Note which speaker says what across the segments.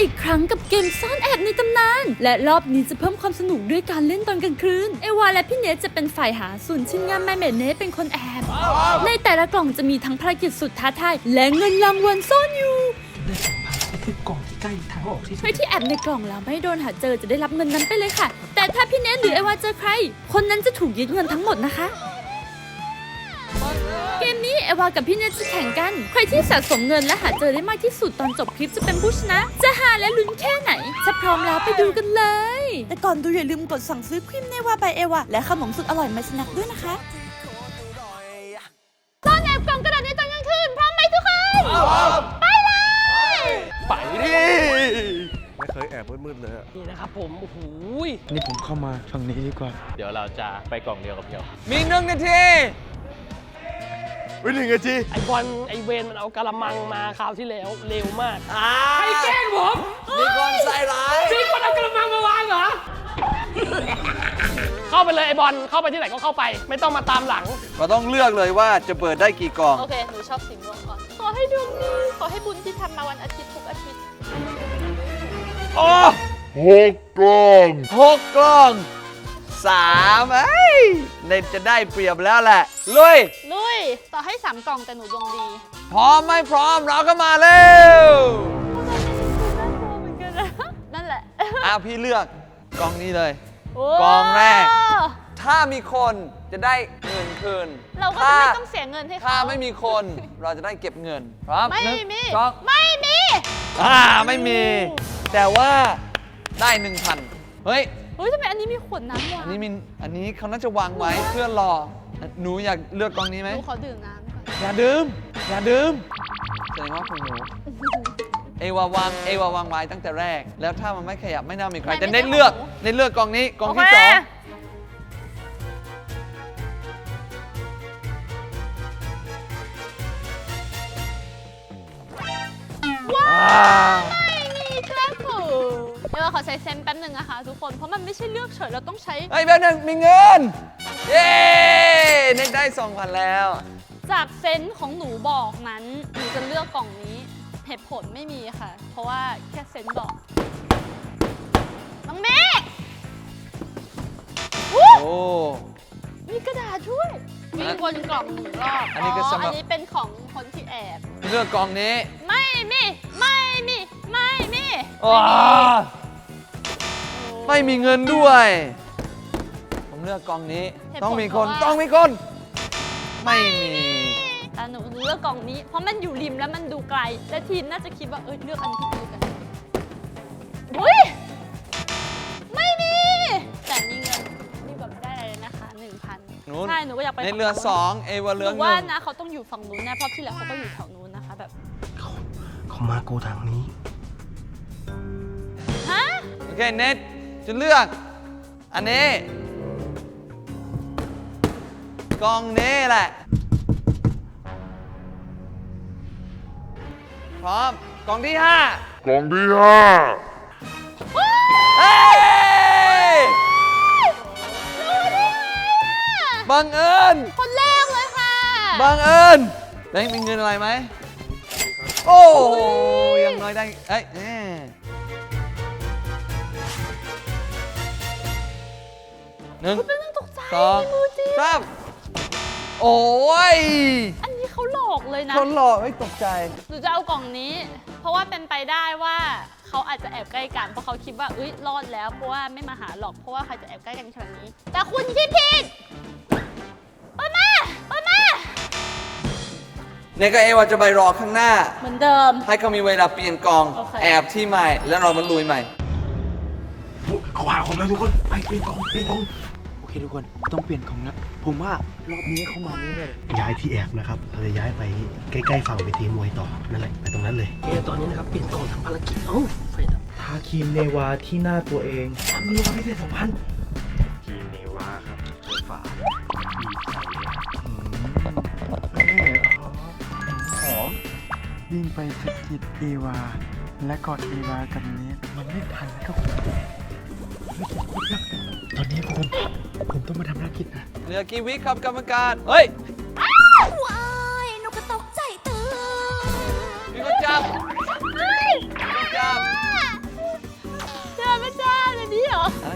Speaker 1: อีกครั้งกับเกมซ่อนแอบในตำนานและรอบนี้จะเพิ่มความสนุกด้วยการเล่นตอนกลางคืนเอวาและพี่เนทจะเป็นฝ่ายหาส่วนชิ้นงานแม่เนทเป็นคนแอบในแต่ละกล่องจะมีทั้งภารกิจสุดท้าทายและเงินรางวัลซ่อนอยู่
Speaker 2: คือกล่องที่ใกล้ทางออกที่สุด
Speaker 1: ใครที่แอบในกล่องแล้วไม่โดนหาเจอจะได้รับเงินนั้นไปเลยค่ะแต่ถ้าพี่เนทหรือเอวาเจอใครคนนั้นจะถูกยึดเงินทั้งหมดนะคะเกมนี้เอวากับพี่เนทจะแข่งกันใครที่สะสมเงินและหาเจอได้มากที่สุดตอนจบคลิปจะเป็นผู้ชนะจะหาและลุ้นแค่ไหนถ้าพร้อมแล้วไปดูกันเลยแต่ก่อนดูอย่าลืมกดสั่งซื้อครีมเนวาบายเอวาและขนมสุดอร่อยมาสนักด้วยนะคะซ่อนแอบกล่องกระดาษในตอนกลางคืนพร้อมไหมทุกคนไปเลย
Speaker 2: ไปดิ
Speaker 3: ไม่เคยแอบมืดๆเลย
Speaker 2: นี่นะครับผมโอ้โห
Speaker 3: นี่ผมเข้ามาฝั่งนี้ดีกว่า
Speaker 4: เดี๋ยวเราจะไปกล่องเดียวกับเพียว
Speaker 2: มี1 นาที
Speaker 3: 1 นาที
Speaker 2: ไอบอลไอเวนมันเอากระมังมาคราวที่แล้วเร็วมากใครแกล้งผม
Speaker 3: มีคนใส่ร้าย
Speaker 2: มีคนเอากระมังมาวางเหรอเข้าไปเลยไอบอลเข้าไปที่ไหนก็เข้าไปไม่ต้องมาตามหลัง
Speaker 3: เราต้องเลือกเลยว่าจะเปิดได้กี่กล่อง
Speaker 1: โอเคหนูชอบสีม่วงก่อนขอให้ดวงดีขอให้บุญที่ทำมาวันอาทิตย์ทุกอาทิตย์
Speaker 3: โอ้6 กล่อง3เนทจะได้เปรียบแล้วแหละลุย
Speaker 1: ต่อให้3 กล่องแต่หนูดวงดี
Speaker 3: พร้อมไม่พร้อมเราก็มาเร็ว
Speaker 1: นั่นแหละ
Speaker 3: พี่เลือกกล่องนี้เลยกล่องแรกถ้ามีคนจะได้เงินคืน
Speaker 1: เราก็จะไม่ต้องเสียเงินให้เขา
Speaker 3: ถ้าไม่มีคนเราจะได้เก็บเงินพร้อม
Speaker 1: ไม่มี
Speaker 3: ไม่มีแต่ว่าได้ 1,000 เฮ้ย
Speaker 1: ทำไมอันนี้มีขวดน้ำวะ
Speaker 3: อันนี้เขาน่าจะวางไว้เพื่อรอหนูอยากเลือกกล่องนี้ไหม
Speaker 1: หนูขอดื่มน้ำก่อน
Speaker 3: อย่าดื่มแสดงว่าของหนูเอวาวางไว้ตั้งแต่แรกแล้วถ้ามันไม่ขยับไม่น่ามีใครแต่เน้นเลือกกล่องนี้กล่องที่2
Speaker 1: ว้าวไม่มีครับผมเดี๋ยวขอใช้เซนแป๊บนึงนะคะทุกคนเพราะมันไม่ใช่เลือกเฉยเราต้องใช้
Speaker 3: แป๊บนึงมีเงินเย้เน็กได้ 2,000 แล้ว
Speaker 1: จากเซนของหนูบอกนั้นหนูจะเลือกกล่องนี้เหตุผลไม่มีค่ะเพราะว่าแค่เซนบอกน้องเมฆโอ้มีกระดาษช่วยมีวนกล่อง1 รอบอันนี้เป็นของคนที่แอบ
Speaker 3: เลือกกล่องนี้
Speaker 1: ไม่มี
Speaker 3: ไม่มีเงินด้วยผมเลือกกล่องนี้ต้องมีคนไม่มี
Speaker 1: แต่หนูเลือกกล่องนี้เพราะมันอยู่ริมแล้วมันดูไกลและทีมน่าจะคิดว่าเลือกอันที่ดีกันอุ้ยไม่มีแต่มีเงินนี่แบบได้อะไรนะคะ 1,000 ใช่หนูก็อยากไป
Speaker 3: ในเรือ2เอวาเรือ1
Speaker 1: ว่านะเขาต้องอยู่ฝั่งนู้นแน่เพราะที่เหลือเขาก็อยู่แถวนู้นนะคะแบบ
Speaker 2: เขามาโกทางนี้
Speaker 1: ฮะ
Speaker 3: โอเคเน็ตจะเลือกอันนี้กล่องนี้แหละพร้อมกล่องที่5เฮ้ยบังเอิญ
Speaker 1: คนแรกเลยค่ะ
Speaker 3: บังเอิญได้มีเงินอะไรไหมโอ้ยังน้อยได้1 2 3โอ้ย
Speaker 1: อันนี้เขาหลอกเลยนะ
Speaker 3: คนหลอกไม่ตกใจ
Speaker 1: หนูจะเอากล่องนี้เพราะว่าเป็นไปได้ว่าเขาอาจจะแอบใกล้กันเพราะเขาคิดว่ารอดแล้วเพราะว่าไม่มาหาหรอกเพราะว่าใครจะแอบใกล้กันขนาดนี้แต่คุณคิดผิดเปิดมา
Speaker 3: เนี่ยก็ว่าจะไปรอข้างหน้า
Speaker 1: เหมือนเดิม
Speaker 3: ให้เขามีเวลาเปลี่ยนกองแอบที่ใหม่แล้วเรามาลุยใหม่
Speaker 2: เขาหาผมแล้วทุกคนไปเปลี่ยนกองโอเคทุกคนต้องเปลี่ยนกองแล้วผมว่ารอบนี้เขามาแน่ๆย้ายที่แอบนะครับเราจะย้ายไปใกล้ๆฝั่งเวทีมวยต่อนั่นแหละไปตรงนั้นเลยตอนนี้นะครับเปลี่ยนกองทำภารกิจไฟดับทาครีมเนวาที่หน้าตัวเองทำเนวาพิเศษ2,000ครีมเนวาครับฝาหอมวิ่งไปสะกิดเอวาและกอดเอวากับเนทมันไม่ทันครับตอนนี้ผมต้องมาทำภารกิจนะ
Speaker 3: เหลือกี่วิครับกรรมการเฮ้ย
Speaker 1: ว้ายนกกระตกใจตื่น
Speaker 3: มีคนจับ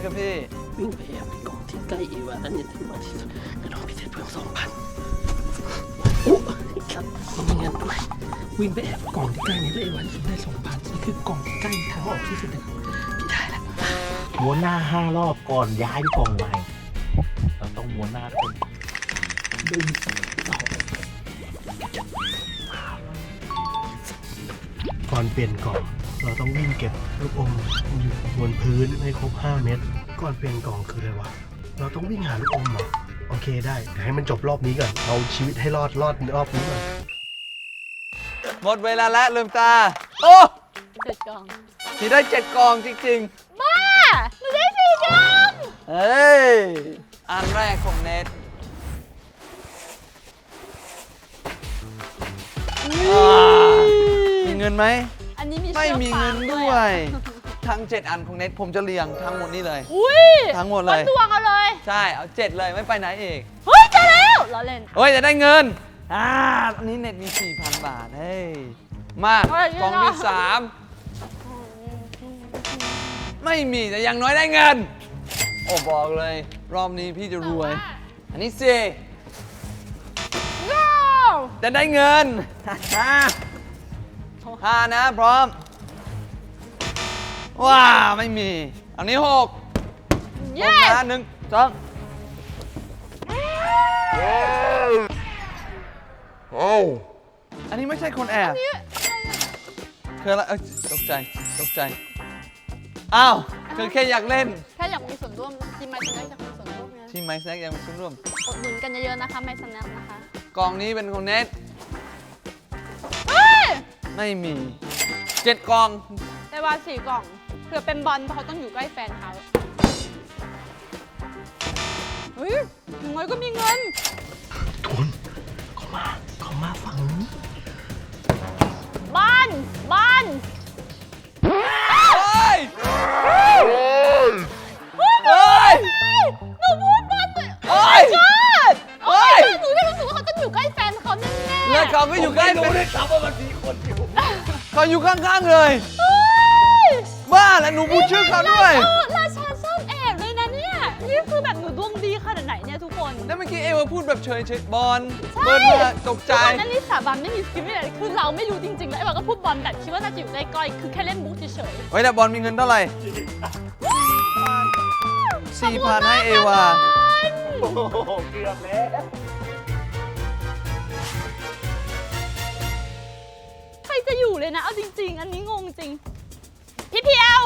Speaker 3: ครับพี่
Speaker 5: วิ่งไปแอบในกล่องที่ใกล้เอวาอันนี้ถึงมากที่สุดกระโดดพิเศษเพิ่ม2,000โอ้ครับมีเงินด้วยวิ่งไปแอบกล่องที่ใกล้นี้แล้วเอวาสุดได้2,000นี่คือกล่องที่ใกล้ทางออกที่สุดนะครับพี่ได้แล้ว
Speaker 4: ม้วนหน้า5 รอบก่อนย้ายไปกล่องใหม่ เราต้องม้วนหน้าคน
Speaker 2: ก่อนเปลี่ยนกล่องเราต้องวิ่งเก็บลูกอมอยู่บนพื้นให้ครบ5 เม็ดก่อนเปลี่ยนกล่องคืออะไรวะเราต้องวิ่งหาลูกอมเหรอโอเคได้เดี๋ยวให้มันจบรอบนี้ก่อนเอาชีวิตให้รอดรอบนี้ก่อน
Speaker 3: หมดเวลาแล้วลืมตา โอ้
Speaker 1: 7 กล่อง
Speaker 3: พี่ได้7 กล่องจริง
Speaker 1: บ้าหนูได้4 กล่อง
Speaker 3: ๆ เฮ้ย อันแรกของเน็ตมีเงินไหม
Speaker 1: อันนี้มี
Speaker 3: ไม่
Speaker 1: เชือก
Speaker 3: มี
Speaker 1: ฟา
Speaker 3: เงิ
Speaker 1: ง
Speaker 3: น
Speaker 1: ด้
Speaker 3: ด้
Speaker 1: ว
Speaker 3: วย ย ทั้ง 7 อันของเน็ตผมจะเรียงทั้งหมดนี่เลย
Speaker 1: อุ้ย
Speaker 3: ทั้งหมดเลย
Speaker 1: วัดดวงเอาเลย
Speaker 3: ใช่ เอา 7 เลยไม่ไปไหนอีก
Speaker 1: เฮ้ยเจอแล้วล้อเล่น
Speaker 3: เฮ้ย จะได้เงินอันนี้เน็ตมี 4,000 บาท เฮ้ย มากล่องที่ 3 ไม่มีแต่อย่างน้อยได้เงิน โอ้บอกเลย รอบนี้พี่จะรวย อันนี้สิ
Speaker 1: ว้าว
Speaker 3: จะได้เงิน 5 นะ พร้อม ว้าไม่มี อันนี้ 6
Speaker 1: เย้
Speaker 3: นะ1 2อันนี้ไม่ใช่คนแอบคืออะไรตกใจ ตกใจ อ้าว คือแค่อยากเล่น
Speaker 1: แค่อยากมีส่วนร่วมทีมไมซ์แน็คอยากมีส่วนร่วมไง
Speaker 3: ที่ไมซ์แน็กยังมีส่วนร่วม
Speaker 1: อุดหนุนกันเยอะๆนะคะไมซ์แน็คนะคะ
Speaker 3: กล่องนี้เป็นของเน็ต
Speaker 1: เฮ้ย
Speaker 3: ไม่มี 7 กล่อง
Speaker 1: แต่ว่า4 กล่องเผื่อเป็นบอลเพราะเขาต้องอยู่ใกล้แฟนเขาเฮ้ยอย่างน้อยก็มีเงิน
Speaker 2: ทุนเขามาฝั่งนี้
Speaker 1: บ้าน บ้าน
Speaker 3: เฮ้ย เฮ้ย
Speaker 1: หนูพูดบ้านเลย
Speaker 3: เฮ้ย
Speaker 1: โอ้ยหนูแค่รู้สึกว่าเขาต้องอยู่ใกล้แฟนเขาแน่ๆ
Speaker 3: แล้วเขาก็อยู่ใกล้เป็น
Speaker 2: ครับว่ามันมีคนอยู่
Speaker 3: เขาอยู่ข้างๆเลย
Speaker 1: เฮ้ย
Speaker 3: บ้าแล้วหนูพูดชื่อเขาด้วย
Speaker 1: ราชาซ่อนแอบเลยนะเนี่ย นี่คือแบบหนูดวงดีขนาดไหนเนี่ยทุกคน
Speaker 3: แล้วเมื่อกี้เอวาพูดแบบเฉยๆบอล
Speaker 1: ใช่
Speaker 3: เบิร์ดมาตกใจ
Speaker 1: ทุกคนอันนี้สาบานไม่มีสกิลไม่อะไรคือเราไม่รู้จริงๆ แล้วไอ้บอลก็พูดบอลแบบคิดว่าน่าจะอยู่ใกล้ๆคือแค่เล่นบุ๊กเฉย
Speaker 3: เฮ้ยแต่บอลมีเงินเท่าไหร่ 4,000 ให้เอวา
Speaker 2: โอ้โหเกือบแล้ว
Speaker 1: ใครจะอยู่เลยนะ เอาจริงๆ อันนี้งงจริง พี่เพียว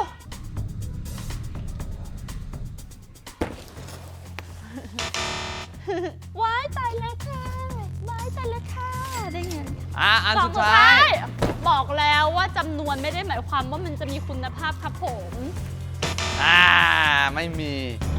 Speaker 1: ว้ายตายแล้วค่ะว้ายตายแล้วค่ะ ได้เงิน
Speaker 3: อัน
Speaker 1: สอง
Speaker 3: สุดท้าย
Speaker 1: บอกแล้วว่าจำนวนไม่ได้หมายความว่ามันจะมีคุณภาพครับผม
Speaker 3: ไม่มี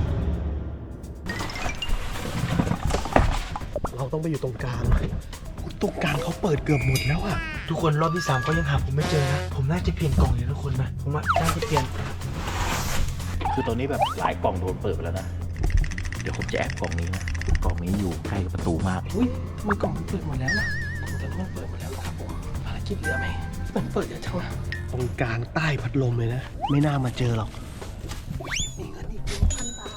Speaker 2: เราต้องไปอยู่ตรงกลางตรงกลางเขาเปิดเกือบหมดแล้วอะทุกคนรอบที่ 3เขายังหาผมไม่เจอนะ ผมน่าจะเปลี่ยนกล่องเลยทุกคนนะ ผมว่าน่าจะเปลี่ยน
Speaker 4: คือตอนนี้แบบหลายกล่องโดนเปิดไปแล้วนะ เดี๋ยวผมจะแอบกล่องนี้นะ กล่องนี้อยู่ใกล้กับประตูมาก
Speaker 5: อุ้ยมันกล่องมันเปิดหมดแล้วนะแต่มันเปิดหมดแล้วครับผมภารกิจเหลือไหมมันเปิดเยอะจังนะ
Speaker 2: ตรงกลางใต้พัดลมเลยนะ ไม่น่ามาเจอหรอก
Speaker 5: มีเงินอีก1,000 บาท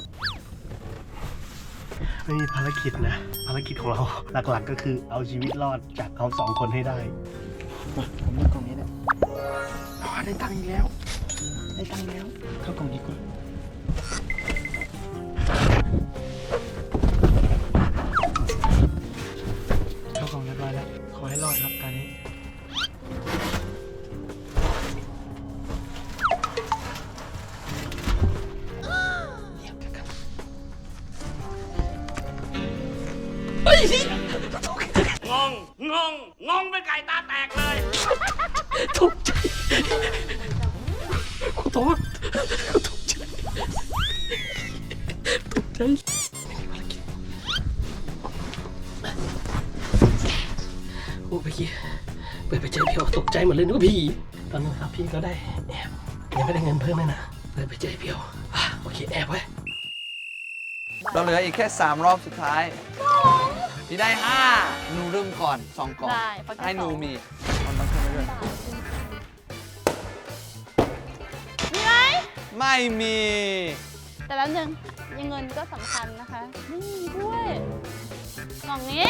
Speaker 2: ไม่มีภารกิจนะ ภารกิจของเราหลักๆก็คือเอาชีวิตรอดจากเขา2 คนให้ได้
Speaker 5: มาผมเลือกกล่องนี้แหละได้ตังค์อีกแล้ว ได้ตังค์แล้ว เข้ากล่องนี้ก่อนเข้ากล่องเรียบร้อยแล้ว ขอให้รอดครับการนี้ตกใจขอโทษตกใจตกใจไม่มีภารกิจโอ้เมื่อกี้เปิดไปเจอพี่ตกใจหมดเลยนึกว่าผีตอนนั้นครับพี่ก็ได้แอบยังไม่ได้เงินเพิ่มเลยนะเปิดไปเจอพี่โอเคแอบไว้
Speaker 3: เราเหลืออีกแค่ 3 รอบสุดท้าย พี่ได้ 5 หนูเริ่มก่อน 2 กล่อง
Speaker 1: ได้เพราะแค่
Speaker 3: ให้หนู
Speaker 1: สอง
Speaker 3: มีมันต้องขึ้นไปด้วย
Speaker 1: มีไหม
Speaker 3: ไม่มี
Speaker 1: แต่แป๊บนึงยังเงินก็สำคัญนะคะไม่มีด้วยกล่องนี้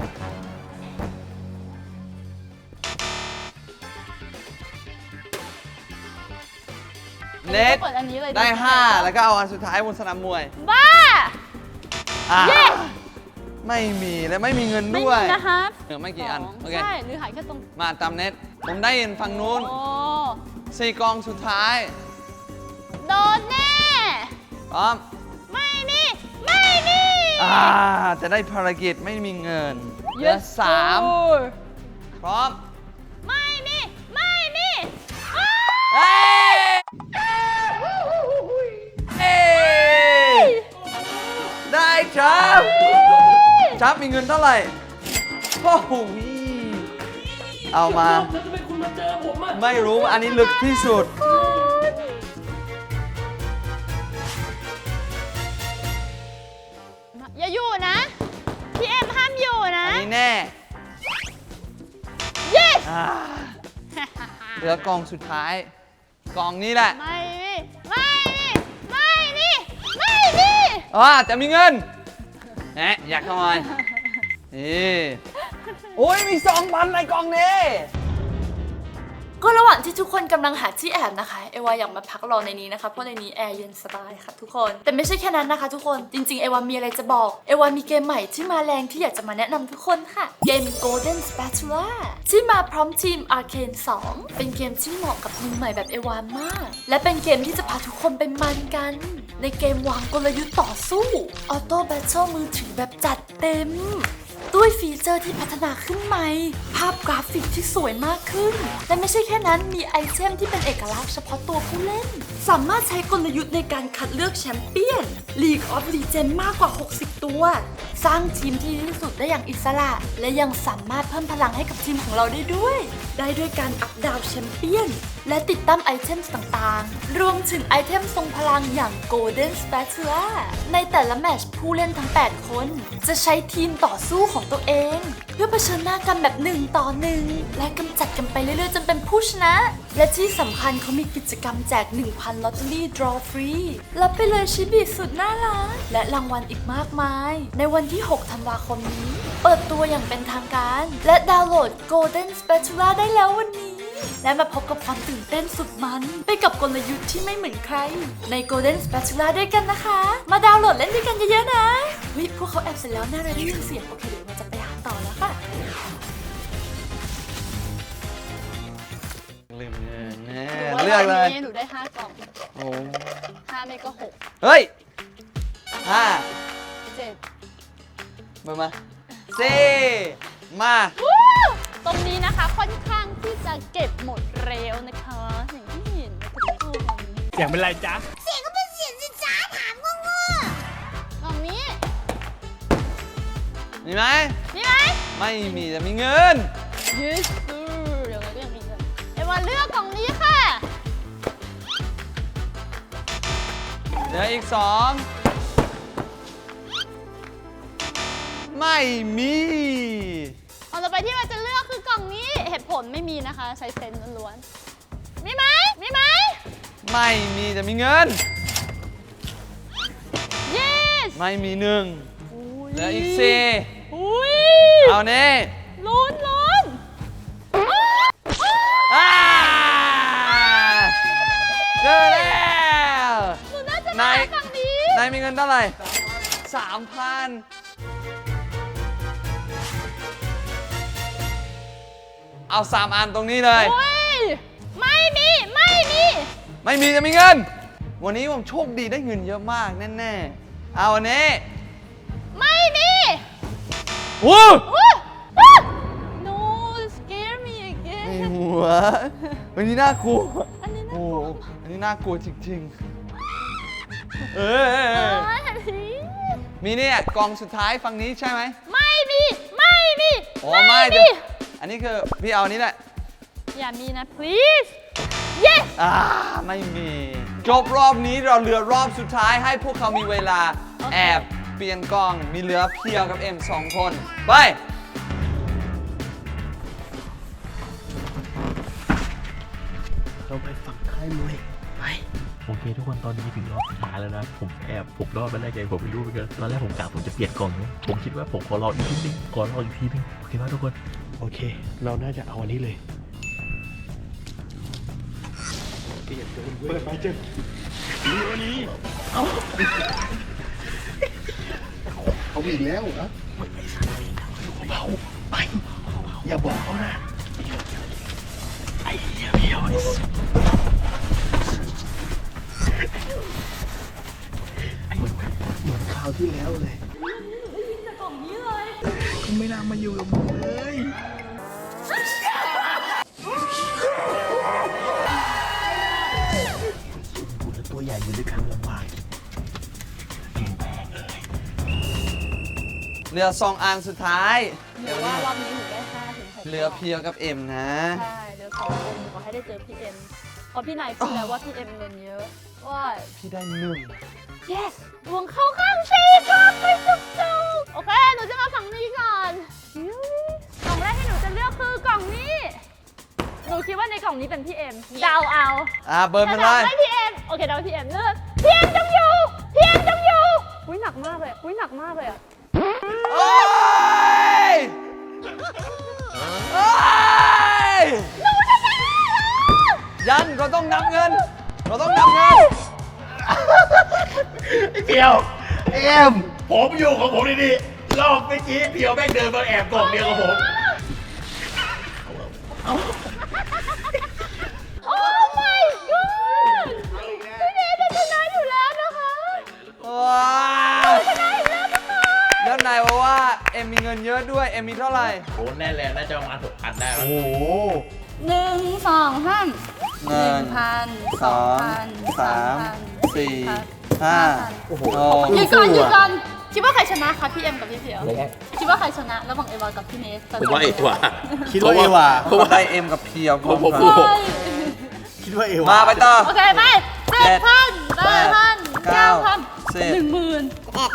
Speaker 3: เน็ต
Speaker 1: เปิดอันนี้เลย
Speaker 3: ได้ 5 แล้วก็เอาอันสุดท้ายบนสนามมวย
Speaker 1: บ้า
Speaker 3: อ่า
Speaker 1: Yes
Speaker 3: ไม่มีและไม่มีเงิน
Speaker 1: ไม่
Speaker 3: ด้วย
Speaker 1: มีนะคะ
Speaker 3: ไม่กี่อัน
Speaker 1: สง
Speaker 3: โอเค
Speaker 1: ใช่หรือหายแค่ตรง
Speaker 3: มาตามเน็ต ผมได้ยินฝั่งนู้น
Speaker 1: โอ้
Speaker 3: 4 กองสุดท้าย
Speaker 1: โดนแน่
Speaker 3: พร้อม
Speaker 1: ไม่มีไม่มี
Speaker 3: จะได้ภารกิจไม่มีเงินเหลือ
Speaker 1: Yes
Speaker 3: 3 พร้อม
Speaker 1: ไม่มีไม่มีอ้า
Speaker 3: เฮ้ยเฮ้ยได้ครับชับมีเงินเท่าไหร่โอ้โหเอามา
Speaker 5: แล้วทำไมคุณมาเจอผมอ่ะ
Speaker 3: ไม่รู้อันนี้ลึกที่สุด
Speaker 1: อย่าอยู่นะ พี่เอ็มห้ามอยู่นะ
Speaker 3: อันนี้แน่
Speaker 1: yes
Speaker 3: อ่าเหลือกองสุดท้าย กองนี้แหละ
Speaker 1: ไม่มีไม่มีไม่มีไม่มี
Speaker 3: จะมีเงินแหมอยากขโมยนี่โอ้ยมี2,000ในกองนี้
Speaker 6: ก็ระหว่างที่ทุกคนกำลังหาที่แอบนะคะเอวาอยากมาพักรอในนี้นะคะเพราะในนี้แอร์เย็นสบายค่ะทุกคนแต่ไม่ใช่แค่นั้นนะคะทุกคนจริงๆเอวามีอะไรจะบอกเอวามีเกมใหม่ที่มาแรงที่อยากจะมาแนะนำทุกคนค่ะเกม Golden Spatula ที่มาพร้อมทีม Arcane 2 เป็นเกมที่เหมาะกับมือใหม่แบบเอวามากและเป็นเกมที่จะพาทุกคนไปมันกันในเกมวางกลยุทธ์ต่อสู้ออโต้แบทเทิลมือถือแบบจัดเต็มด้วยฟีเจอร์ที่พัฒนาขึ้นใหม่ภาพกราฟิกที่สวยมากขึ้นและไม่ใช่แค่นั้นมีไอเทมที่เป็นเอกลักษณ์เฉพาะตัวผู้เล่นสามารถใช้กลยุทธ์ในการคัดเลือกแชมเปี้ยน League of Legends มากกว่า 60 ตัว สร้างทีมที่ดีที่สุดได้อย่างอิสระ และยังสามารถเพิ่มพลังให้กับทีมของเราได้ด้วยการอัพดาวแชมเปี้ยนและติดตั้งไอเทมต่างๆรวมถึงไอเทมทรงพลังอย่าง Golden Spatula ในแต่ละแมตช์ผู้เล่นทั้ง 8 คนจะใช้ทีมต่อสู้ของตัวเองเพื่อเผชิญหน้ากันแบบ1 ต่อ 1และกำจัดกันไปเรื่อยๆจนเป็นผู้ชนะและที่สำคัญเขามีกิจกรรมแจก 1,000 ลอตเตอรี่ draw free รับไปเลยชิบิสุดน่ารักและรางวัลอีกมากมายในวันที่ 6 ธันวาคมนี้เปิดตัวอย่างเป็นทางการและดาวน์โหลด Golden Spatula ได้แล้ววันนี้และมาพบกับความตื่นเต้นสุดมันไปกับกลยุทธ์ที่ไม่เหมือนใครใน Golden Spatula ด้วยกันนะคะมาดาวน์โหลดเล่นด้วยกันเยอะๆนะวิพวกเขาแอบเสร็จแล้วน่าเลยได้ยินเสียงโอเคเดี๋ยวเราจะไปหาต่อแล้วค่ะ
Speaker 3: ลืมเงินแน่
Speaker 1: หนูว่า
Speaker 3: เลือกเลย
Speaker 1: วันนี้หนูได้5 กล่อง
Speaker 3: โอ้
Speaker 1: 5ไม่ก็6
Speaker 3: เฮ้ย5
Speaker 1: 7
Speaker 3: เบอร์มา4มา
Speaker 1: ตรงนี้นะคะค่อนข้างที่จะเก็บหมดเร็วนะคะอย่างที่เห็นนะทุกคน
Speaker 2: เสียงเป็นไรจ๊ะ
Speaker 1: กล่องนี้
Speaker 3: มีไหม
Speaker 1: มีไหม
Speaker 3: ไม่มีแต่มีเงิน
Speaker 1: yes เดี๋ยวเราเลือกนี้เลยเอวาเลือกกล่องนี้ค่ะ
Speaker 3: เหลืออีก 2 ไม่มี
Speaker 1: กล่องต่อไปที่เราจะเลือกคือกล่องนี้เหตุผลไม่มีนะคะใช้เซนส์ล้วนๆมีไหมมีไหม
Speaker 3: ไม่มีแต่มีเงิน
Speaker 1: yes
Speaker 3: ไม่มี1เหลืออีก
Speaker 1: อุ้ย
Speaker 3: 4เอานี่
Speaker 1: ลุ้นลุ้น
Speaker 3: อ่าเจอแล้ว
Speaker 1: หนูน่าจะ
Speaker 3: นาย
Speaker 1: ได้ฝั่งนี้
Speaker 3: นายมีเงินเท่าไหร่ 3,000 เอา 3 อันตรงนี้เลย
Speaker 1: โอ้ยไม่มีไม่มี
Speaker 3: ไม่มีจะมีเงิน วันนี้ผมโชคดีได้เงินเยอะมากแน่ๆ เอาอันนี้
Speaker 1: ไม่มี
Speaker 3: วู้
Speaker 1: no scare me
Speaker 3: ใน
Speaker 1: again
Speaker 3: หัว วันนี้น่ากลัว
Speaker 1: อันนี้น่า
Speaker 3: โอ้
Speaker 1: กลัว
Speaker 3: อันนี้น่ากลัวจริงๆ มีเนี่ยกล่องสุดท้ายฝั่งนี้ใช่ไหม
Speaker 1: ไม่มีไม่มี
Speaker 3: อ๋อไม่เดี๋ยวอันนี้คือพี่เอาอันนี้แหละ
Speaker 1: อย่ามีนะ please yes
Speaker 3: ไม่มี จบรอบนี้เราเหลือรอบสุดท้ายให้พวกเขามีเวลา
Speaker 1: โอเค
Speaker 3: แอบเปลี่ยนกล้องมีเหลือเพียวกับเอ็ม2 คน ไป
Speaker 2: เราไปฝั่งค่ายมวย ไป
Speaker 4: โอเคทุกคนตอนนี้ถึงรอบสุดท้ายแล้วนะผมรอดมาได้ไงผมไม่รู้เหมือนกันตอนแรกผมกะผมจะเปลี่ยนกล่องนะผมคิดว่าผมขอรออีกทีนึงโอเคป่ะทุกคน
Speaker 2: โอเค เราน่าจะเอาอันนี้เลยเปิดไปเจอเอาอีกแล้วนะเบาไปอย่าบอกเขานะไอ้เหี้ยเพียวเหมือนคราวที่แล้วเลยก็ไม่น่ามาอยู่กับมึงเลยตัวใหญ่อยู่ด้วยกันลำบาก
Speaker 3: เหลือ2 อันสุดท้าย
Speaker 1: หรือว่ารอบนี้หนูได้5 ถึง 6
Speaker 3: เหลือเพียวกับเอ็มนะ
Speaker 1: ใช่เหลือ2 คนขอให้ได้เจอพี่เอ็มเพราะพี่นายพูดแล้วว่าพี่เอ็มเงินเยอะว่า
Speaker 3: พี่ได้1
Speaker 1: yes ดวงเข้าข้างชีครับไปจุกๆโอเค หนูจะมาฝั่งนี้ก่อนกล่องแรกที่หนูจะเลือกคือกล่องนี้ หนูคิดว่าในกล่องนี้เป็นพี่เอ็มเดาเอา
Speaker 3: เบิร์นไปเลย
Speaker 1: ไม่พี่เอ็มโอเคเดาพี่เอ็มเลือกพี่เอ็มจงอยู่พี่เอ็มจงอยู่อุ้ยหนักมากเลยอุ้ยหนักมากเลยอะ
Speaker 3: โอ้ยโอ้ยยันเราต้องนับเงิน
Speaker 2: เพียวเอ็มผมอยู่ของผมดีๆรอบเมื่อกี้เพียวแม่งเดินมาแอบกล่องเดียวกับผม
Speaker 1: โอ้ my god พี่เนทจะชนะอยู่แล้วนะคะ
Speaker 3: ว้าวแล้วนายบอกว่าเอ็มมีเงินเยอะด้วย เอ็มมีเท่าไหร่
Speaker 4: โอ้แน่แหละน่าจะประมาณ6,000ได้แล้ว
Speaker 2: โอ้โห
Speaker 1: 1 2 3
Speaker 3: เงิน
Speaker 1: 1,000
Speaker 3: 2 3 4 5
Speaker 2: โอ้โห
Speaker 1: หยุดก่อนคิดว่าใครชนะคะพี่เอ็มกับพี่เพียวคิดว่าใครชนะระหว่างเอวากับพี่เนส
Speaker 4: ผมว่าเอวา
Speaker 2: คิดว่าเอวา
Speaker 3: ผมได้เอ็มกับเพียวพร้อมกัน
Speaker 1: ใช่
Speaker 2: คิดว่าเอวา
Speaker 3: มาไปต่อ
Speaker 1: โอเคไป7,000 8,000 9,000 10,000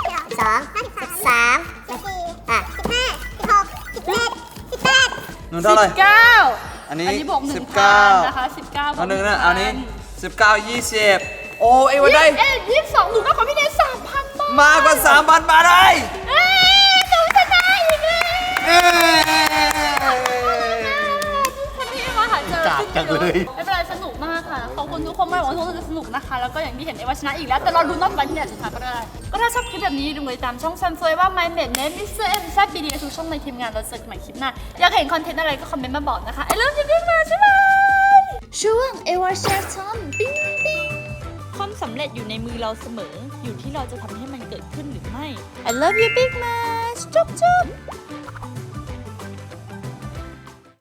Speaker 3: หนูเท่าไหร่
Speaker 1: 19
Speaker 3: อันนี้
Speaker 1: บวก
Speaker 3: 19
Speaker 1: 1,000นะคะ19
Speaker 3: อันหนึ่งนะอันนี้19 20 โอ้เอวาได้
Speaker 1: 22หนูก็ของพี่เนส 3,000 บาท
Speaker 3: มากกว่า 3,000 บาทเลย
Speaker 1: เอ้ยหนูชนะอีกแล้ว
Speaker 3: เอ้ย
Speaker 1: คนที่มาหาเจอไม่เป็นไรสนุกมากค่ะ ขอบคุณทุกคนมากหวังว่าทุกคนจะสนุกนะคะ แล้วก็อย่างที่เห็นเอวาชนะอีกแล้ว แต่เราดูนอกไปที่ไหนสุดท้ายก็ได้ ก็ถ้าชอบคลิปแบบนี้ดูติดตามช่องซันเฟยว่า My m a d Name Mr. M แซ่บ BD ทุกช่องในทีมงานเราเจอกันใหม่คลิปหน้า อยากเห็นคอนเทนต์อะไรก็คอมเมนต์มาบอกนะคะ I love you big much บ๊ายบายช่วงเอวาแชร์ทอมปิ้งปิ้งความสำเร็จอยู่ในมือเราเสมอ อยู่ที่เราจะทำให้มันเกิดขึ้นหรือไม่ I love you big much จุ๊บจุ๊บ